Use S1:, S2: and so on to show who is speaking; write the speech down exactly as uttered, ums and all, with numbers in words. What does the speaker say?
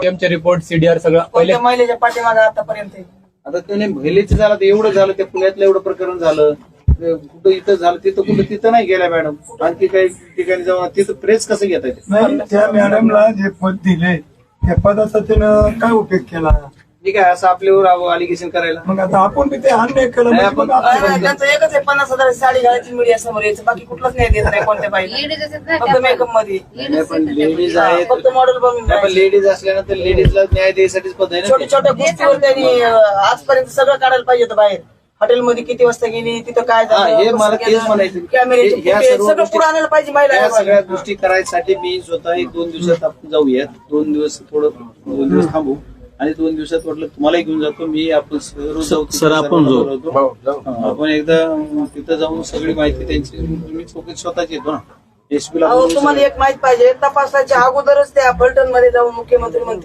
S1: सीएमचे report CDR सगळं पहिले
S2: कोणत्या महिलेच्या पाठीमागे आतापर्यंत
S3: आता त्याने महिलेचं झालं तर एवढं झालं, त्या पुण्यातलं एवढं प्रकरण झालं, कुठं इथं झालं तिथं कुठं तिथं नाही गेल्या मॅडम. आणखी काही ठिकाणी जाऊन तिथं प्रेस कसं घेता येते?
S4: नाही, त्या मॅडमला जे पद दिले त्या पदाचा त्यानं काय उपयोग केला?
S3: ठीक आहे, असं आपल्यावर अलिगेशन करायला.
S4: मग आता आपण बी ते अन्याय केलं
S3: नाही,
S4: म्हणजे
S3: आपण-
S4: मग आपण-
S2: नाही, त्यांचं एकच आहे, पन्नास हजार साडी घालायची मीडिया समोर यायचं, बाकी कुठलंच नाही देत नाही कोणत्या बाईला, फक्त मेकअप मध्ये.
S3: नाही, पण लेडीज आहेत,
S2: फक्त मॉडेल बनवून
S3: नाही, पण लेडीज असल्यानंतर लेडीजला न्याय द्यायसाठीच पद आहे ना
S2: छोट्या छोट्या गोष्टीवर त्यांनी अं, आजपर्यंत सगळं काढायला पाहिजे होतं बाहेर. हॉटेलमध्ये किती वाजता गेली, तिथं काय
S3: हा, हे
S2: झालं,
S3: मला
S2: कसं
S3: तेच
S2: केलं,
S3: म्हणायचं.
S2: कॅमेऱ्याचे
S3: हे- ह्या
S2: फुटेज
S3: सर्व
S2: सगळं
S3: गोष्टी-
S2: पुढे आणायला पाहिजे
S3: त्या सगळ्या
S2: महिला.
S3: गोष्टी करायसाठी मी स्वतः एक दोन दिवसात आपण जाऊयात, दोन दिवस थोडं दोन दिवस थांबू आणि दोन दिवसात वाटलं तुम्हालाही घेऊन जातो मी, आपण सर्व जाऊ
S5: सर, आपण जाऊ.
S3: बोलवतो. हा, आपण एकदा तिथं जाऊन सगळी माहिती त्यांची मी चौकशी स्वतःच येतो ना. एसपी ला
S2: अहो,
S3: बोलवून
S2: तुम्हाला
S3: सगळं-
S2: एक माहित पाहिजे, तपासाच्या अगोदरच त्या फलटण मध्ये जाऊन मुख्यमंत्री म्हणते